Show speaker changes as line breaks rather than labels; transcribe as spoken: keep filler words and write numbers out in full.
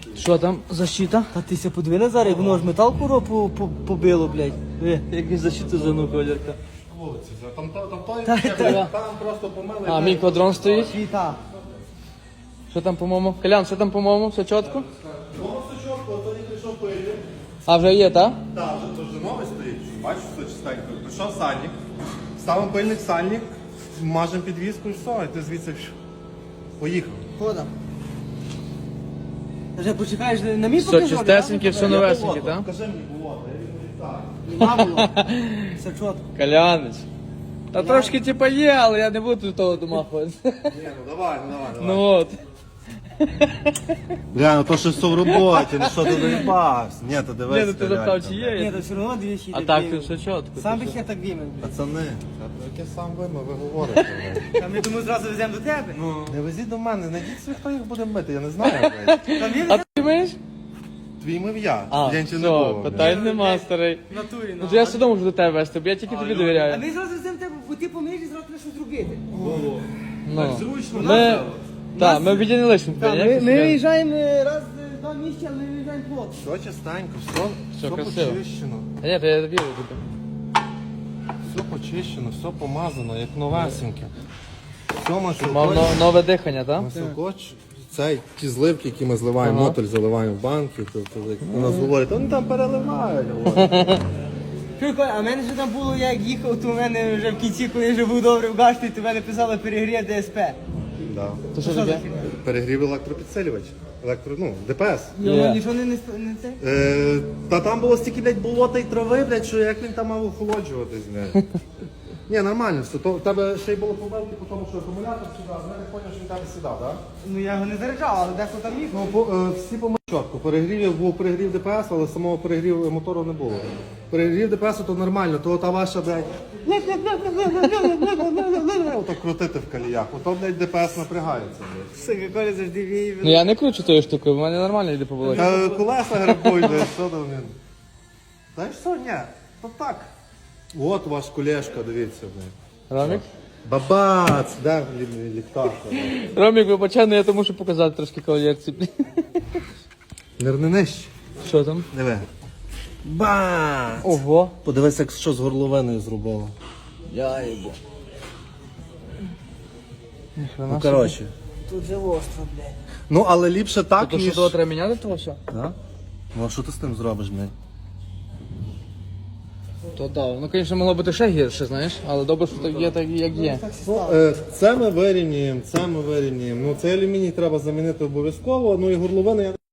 Що там, защита?
Та ти ся подиви зараз, як воно ж метал куро по- по- побило, блядь.
Ви, якусь защиту за колірка.
Вулиці, там, там, там, той,
Та-
там,
та-
просто помили.
А, мій квадрон стоїть.
Світа.
Що там, по-моєму? Колян, що там, по-моєму? Все чітко?
Воно все чітко, тоді прийшов пилі.
А, вже є, так?
Так, вже то вже новий стоїть. Бачиш, все чистенько. Прийшов сальник, ставимо пильник сальник, мажемо підвіску і все, і ти звідси пш, поїхав.
Хода. Вже почекаєш, на мій
Все
покажу,
чистесеньке, все новесеньке,
Болото,
так?
Покажи мені болото, я візьму так.
Нема було. Все чітко.
Колянич. Та трошки типа є, але я не буду того домахуватися.
Ні, ну давай, ну давай, давай.
Ну от.
Бля, ну то що все в роботі, ну що ти доїбався? Ні, то
Ні,
дивись.
ну ти запитав, чи
Ні,
є.
то все одно двічі.
А так ти все чітко.
Сам
ти
би
що?
я так вимив.
Пацани, яке сам вимив, ви говорите.
Та ми тому зразу веземо до тебе.
Не везіть до мене, знайдіть собі, хто їх буде мити, я не знаю. блядь.
Там він
А ти маєш?
Твій мив я,
А,
я нічого не
все,
було.
питань нема, старий.
в натурі.
Ну
Ну,
то я все одно можу до тебе вести, бо я тільки тобі
а
довіряю.
ми зразу веземо тебе, бо ти помиєш і зразу треба щось зробити.
Ну.
Зручно.
Ми... Так, ми обіді не лишимо
Так,
тебе,
ми,
ніяк
ми
не
виїжджаємо е, раз е, два місяці, але ми виїжджаємо плотно.
Все чистенько, все, все,
красиво.
почищено.
Та ні, то я вірю тобі.
Все почищено, все помазано, як новесеньке. Все
Мав
масло.
но- нове дихання, так?
Маслокоч, цей, ті зливки, які ми зливаємо,
Ага.
мотоль заливаємо в банки, то, то, як у нас говорять, вони там переливають. говорять.
Чуй, Коля, а в мене вже там було, я як їхав, то в мене вже в кінці, коли я вже був добре в гашті, то в мене писало перегрів ДСП.
Да.
То що
Що за
таке?
фігня?
Перегрів електропідсилювач, електро, ну, ДПС.
Його
Є.
нічого не, не, сп- не це?
Е, та там було стільки, блядь, болота і трави, блядь, що як він там мав охолоджуватись, блядь. Ні, нормально все. То, в тебе ще й було побелки по тому, що акумулятор сідав, я не поняв, що він там сідав, так?
Ну я його не заряджав, але дехто там їхав.
Ну, по, е, всі по чітко. Перегрів був перегрів ДПС, але самого перегріву мотору не було. Перегрів ДПС то нормально, то та ваша, блядь, ото крутити в каліях, ото, блядь, ДПС напрягається, блядь.
Сука, Коля завжди віє.
Ну я не кручу тою штукою, в мене нормально йде по волосі.
Та колеса грабують, блядь, що там він? Та й що, ні, то так. От ваш колешка, дивіться, блядь.
Ромік?
Бабац, де лі- ліхтар?
Ромік, вибачай, ну я то мушу показати трошки кавалерці.
Нирни нижче.
Що там?
Диви. Бац!
Ого.
Подивись, як що з горловиною зробило.
Я їбу.
Ну, коротше.
Тут же остро, блядь.
Ну, але ліпше так,
То що
ніж...
того треба міняти того все?
Да? Ну, а що ти з тим зробиш, блядь?
То так. Ну, звісно, могло бути ще гірше, знаєш, але добре, що так є, так як є.
Ну, е, це ми вирівнюємо, це ми вирівнюємо. Ну, цей алюміній треба замінити обов'язково, ну і горловину я